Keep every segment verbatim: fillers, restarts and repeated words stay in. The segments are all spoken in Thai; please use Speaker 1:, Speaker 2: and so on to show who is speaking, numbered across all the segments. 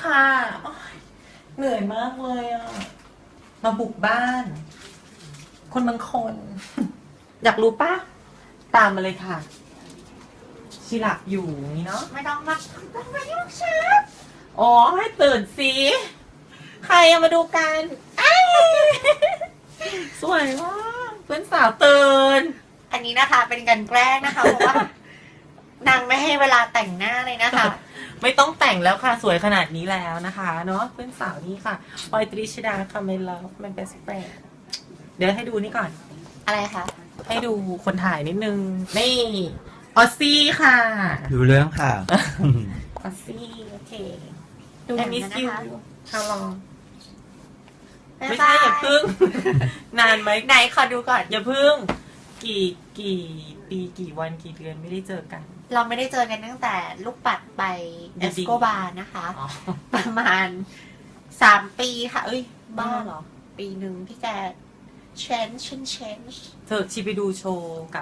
Speaker 1: ค่ะโอ๊ยเหนื่อยมากเลยอ่ะ มาบุกบ้าน คนบางคน อยากรู้ปะตามมาเลยค่ะ ชิหลับอยู่นี่เนาะ
Speaker 2: ไม่ต้องมาต้องมายุ่งฉัน
Speaker 1: อ๋อให้ตื่นสิ ใครเอามาดูกันอ้ายสวยมากเพื่อนสาวตื่น
Speaker 2: อันนี้นะคะเป็นการแกล้งนะคะ เพราะว่านางไม่ให้เวลาแต่งหน้าเลยนะคะ
Speaker 1: ไม่ต้องแต่งแล้วค่ะ สวยขนาดนี้แล้วนะคะเนาะเพื่อนสาวนี่ค่ะปอยตรีชดาค่ะไม่เลิฟมันเป็นสเปรดเดี๋ยวให้ดูนี่ก่อน
Speaker 2: อะไรคะ
Speaker 1: ให้ดูคนถ่ายนิดนึง นี่ออซซี่ค่ะ
Speaker 3: ดูเรื่องค่ะ
Speaker 1: ออซซี่โอเค
Speaker 2: ดูอย่างนั้นนะคะ
Speaker 1: ฮาลอง
Speaker 2: บ๊าย
Speaker 1: ไม่
Speaker 2: บา
Speaker 1: ใช่
Speaker 2: ย
Speaker 1: อย่าพึ่ง นานไหม
Speaker 2: ไหนขอดูก่อน
Speaker 1: อย่าพึ่ง กี่กี่ปีกี่วันกี่เดือนไม่ได้เจอกัน
Speaker 2: เราไม่ได้เจอกันตั้งแต่ลูกปัดไปเอสโกบาร์นะคะ
Speaker 1: อ๋อ
Speaker 2: ประมาณสามปีค่ะ เอ้ย บ้าเหรอ ปีหนึ่งที่แก change change change
Speaker 1: เธอชีไปดูโชว์กับ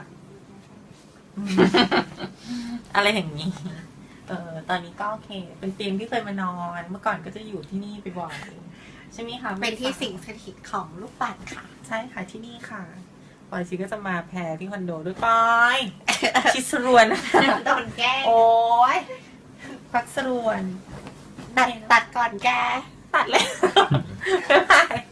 Speaker 1: อะไรอย่างนี้ เออตอนนี้ก็โอเค เป็นเตียงที่เคยมานอน เมื่อก่อนก็จะอยู่ที่นี่ไปบ่อยใช่ไหมคะ
Speaker 2: เป็นที่สิ่งสถิตของลูกปัดค่ะ
Speaker 1: ใช่ค่ะที่นี่ค่ะปอยชีก็จะมาแพรที่คอนโดด้วยปอย ชิสรวน
Speaker 2: โดนแกล้ง
Speaker 1: โอ้ยพักสรวน
Speaker 2: ตัดตัดก่อนแก
Speaker 1: ตัดเลย บ๊ายบาย